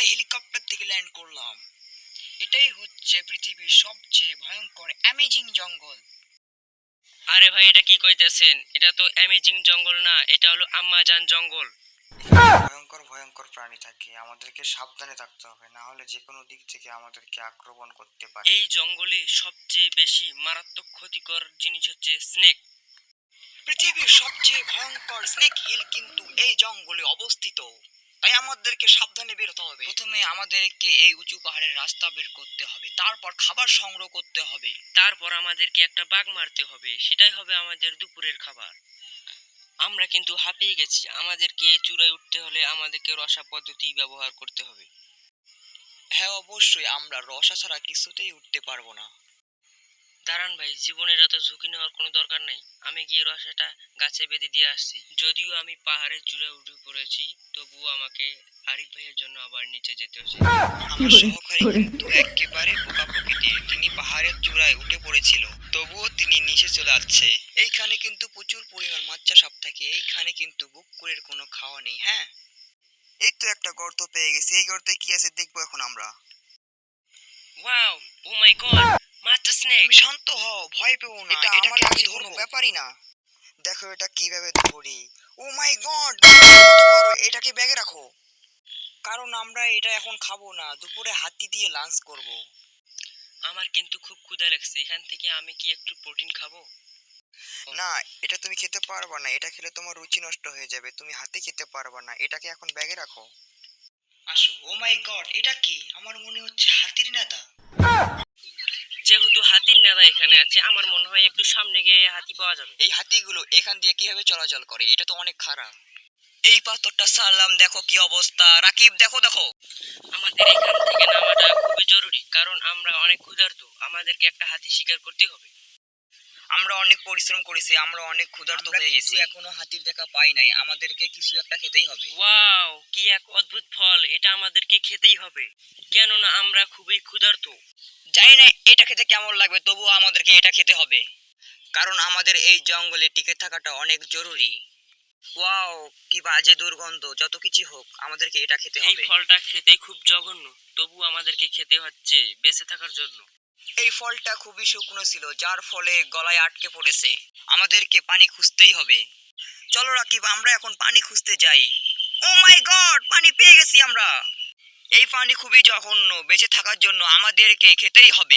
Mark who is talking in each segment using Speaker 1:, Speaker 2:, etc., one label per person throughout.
Speaker 1: আমরা হেলিকপ্টার থেকে ল্যান্ড করলাম। এটাই হচ্ছে পৃথিবীর সবচেয়ে ভয়ঙ্কর অ্যামেজিং জঙ্গল।
Speaker 2: আরে ভাই, এটা কি কইতেছেন? এটা তো অ্যামেজিং জঙ্গল না, এটা হলো আমাজন জঙ্গল।
Speaker 1: ভয়ঙ্কর ভয়ঙ্কর প্রাণী থাকে, আমাদেরকে সাবধানে থাকতে হবে, না হলে যে কোনো দিক থেকে আমাদেরকে আক্রমণ করতে পারে।
Speaker 2: এই জঙ্গলে সবচেয়ে বেশি মারাত্মক ক্ষতিকর জিনিস হচ্ছে স্নেক।
Speaker 1: পৃথিবীর সবচেয়ে ভয়ঙ্কর স্নেক হিল কিন্তু এই জঙ্গলে অবস্থিত, তাই আমাদেরকে সাবধানে বেরোতে হবে। প্রথমে আমাদেরকে এই উঁচু পাহাড়ের রাস্তা বের করতে হবে, তারপর খাবার সংগ্রহ করতে হবে,
Speaker 2: তারপর আমাদেরকে একটা বাঘ মারতে হবে, সেটাই হবে আমাদের দুপুরের খাবার। আমরা কিন্তু হাঁপিয়ে গেছি, আমাদেরকে এই চূড়ায় উঠতে হলে আমাদেরকে রসা পদ্ধতি ব্যবহার করতে হবে।
Speaker 1: হ্যাঁ অবশ্যই, আমরা রসা ছাড়া কিছুতেই উঠতে পারবো না।
Speaker 2: দাঁড়ান ভাই, জীবনের এত ঝুঁকি নেওয়ার কোনো দরকার নেই। আমি গিয়ে রসাটা গাছে বেঁধে দিয়ে আসছি। যদিও আমি পাহাড়ের চূড়ায় উঠে পড়েছি, তবুও আমাকে আরিফ ভাইয়ের জন্য আবার নিচে যেতে হচ্ছে।
Speaker 1: আমার সহকারী কিন্তু একেবারে বোকা প্রকৃতির, তিনি পাহাড়ের চূড়ায় উঠে পড়েছিল, তবুও তিনি নিচে চলে যাচ্ছে। এইখানে কিন্তু প্রচুর পরিমাণ মাচ্চা সাপ থাকে, এইখানে কিন্তু বুকুরের কোনো খাওয়া নেই। হ্যাঁ, এই তো একটা গর্ত পেয়ে গেছি, এই গর্তে কি আছে দেখবো এখন আমরা।
Speaker 2: Wow, oh my God, master snake.
Speaker 1: তুমি শান্ত হও, ভয় পেও না,
Speaker 2: এটা আমার
Speaker 1: এটাকে আমি
Speaker 2: কাছে
Speaker 1: কোনো
Speaker 2: ধরবো।
Speaker 1: ব্যাপারই না। দেখো এটা কিভাবে ধরি। ও মাই গড, এটাকে ব্যাগে রাখো, কারণ আমরা এটা এখন খাবো না, দুপুরে হাতি দিয়ে লাঞ্চ করব।
Speaker 2: আমার কিন্তু খুব ক্ষুধা লাগছে, এখান থেকে আমি কি একটু প্রোটিন খাবো?
Speaker 1: না, এটা তুমি খেতে পারবা না, এটা খেলে তোমার রুচি নষ্ট হয়ে যাবে, তুমি হাতে খেতে পারবা না, এটাকে এখন ব্যাগে রাখো। আসো। ও মাই গড, এটা কি? আমার মনে হচ্ছে হাতির নেতা।
Speaker 2: যেহেতু হাতির নেড়া এখানে আছে, আমার মনে হয় একটু সামনে গিয়ে হাতি পাওয়া যাবে।
Speaker 1: এই হাতিগুলো এখান দিয়ে কিভাবে চলাচল করে? এটা তো অনেক খারাপ। এই পাথরটা সারলাম, দেখো কি অবস্থা। রাকিব দেখো দেখো।
Speaker 2: আমাদের এখান থেকে নামাটা খুবই জরুরি, কারণ আমরা অনেক ক্ষুধার্ত, আমাদেরকে একটা হাতি শিকার করতে হবে।
Speaker 1: আমরা অনেক পরিশ্রম করেছি, আমরা অনেক ক্ষুধার্ত হয়ে গেছি, এখনো হাতির দেখা পাই নাই, আমাদেরকে কিছু একটা খেতেই হবে।
Speaker 2: ওয়াও, কি এক অদ্ভুত ফল, এটা আমাদেরকে খেতেই হবে, কেননা আমরা খুবই ক্ষুধার্ত।
Speaker 1: জানি না এটা খেতে কেমন লাগবে, তবুও আমাদেরকে এটা খেতে হবে, কারণ আমাদের এই জঙ্গলে টিকে থাকাটা অনেক জরুরি। ওয়াও, কি বাজে দুর্গন্ধ, যত কিছু হোক আমাদেরকে এটা খেতে
Speaker 2: এই
Speaker 1: হবে।
Speaker 2: ফলটা খেতে খুব জঘন্য, তবু আমাদেরকে খেতে হচ্ছে বেঁচে থাকার জন্য।
Speaker 1: এই ফলটা খুবই শুকনো ছিল, যার ফলে গলায় আটকে পড়েছে, আমাদেরকে পানি খুঁজতেই হবে। চলো রাকিব, আমরা এখন পানি খুঁজতে যাই। ও মাই গড, পানি পেয়ে গেছি আমরা। এই পানি খুবই জঘন্য, বেঁচে থাকার জন্য আমাদেরকে খেতেই হবে।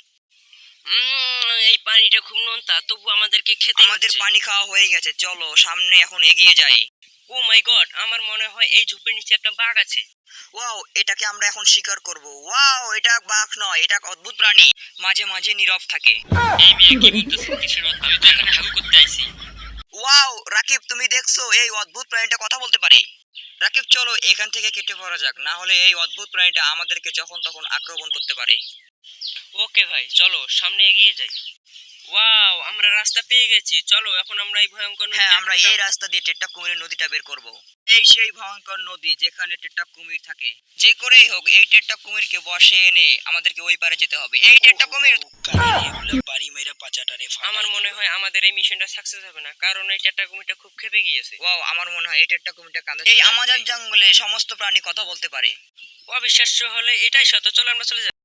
Speaker 2: এই পানিটা খুব নোনতা, তবু আমাদেরকে খেতে
Speaker 1: আমাদের
Speaker 2: হচ্ছে।
Speaker 1: পানি খাওয়া হয়ে গেছে, চলো সামনে এখন এগিয়ে যাই।
Speaker 2: ও মাই গড, আমার মনে হয় এই ঝোপের নিচে একটা বাঘ আছে।
Speaker 1: ওয়াও, এটাকে আমরা এখন শিকার করব। ওয়াও, এটা বাঘ নয়, এটা এক অদ্ভুত প্রাণী, মাঝে মাঝে নীরব থাকে।
Speaker 2: এই মেয়ে কি বলতেছে? কিসের কথা? আমি তো এখানে হাগু করতে আইছি।
Speaker 1: ওয়াও রাকিব, তুমি দেখছো এই অদ্ভুত প্রাণীটা কথা বলতে পারে? রাকিব চলো এখান থেকে কেটে পড়া যাক, না হলে এই অদ্ভুত প্রাণীটা আমাদেরকে যখন তখন আক্রমণ করতে পারে।
Speaker 2: ওকে ভাই, চলো সামনে এগিয়ে যাই। ওয়াও, আমরা রাস্তা পেয়ে গেছি, চলো এখন আমরা এই ভয়ঙ্কর
Speaker 1: হ্যাঁ,
Speaker 2: নদীতে
Speaker 1: আমরা
Speaker 2: এখন
Speaker 1: এই
Speaker 2: যাবো।
Speaker 1: রাস্তা দিয়ে টেট্টাব কুমিরের নদীটা বের করব। এই সেই ভয়ঙ্কর নদী যেখানে টেট্টাব কুমির থাকে, যে করেই হোক এই টেট্টাব কুমিরকে বশে এনে আমাদেরকে ওই পারে যেতে হবে। এই টেট্টাব কুমির বাড়ি মেরে পাচাটারে ফাটাই
Speaker 2: আমার মনে
Speaker 1: দিল।
Speaker 2: হয় আমাদের এই মিশনটা সাকসেস হবে না, কারণ এই চ্যাপ্টার কুমিরটা খুব ক্ষেপে গিয়েছে।
Speaker 1: ওয়াও, আমার মনে হয় এই টেট্টাব কুমিরটা কাঁদে। এই আমাজন জঙ্গলে সমস্ত প্রাণী কথা বলতে পারে।
Speaker 2: অবিশ্বাস্য হলে এটাই সত্য, চলো আমরা চলে যাই।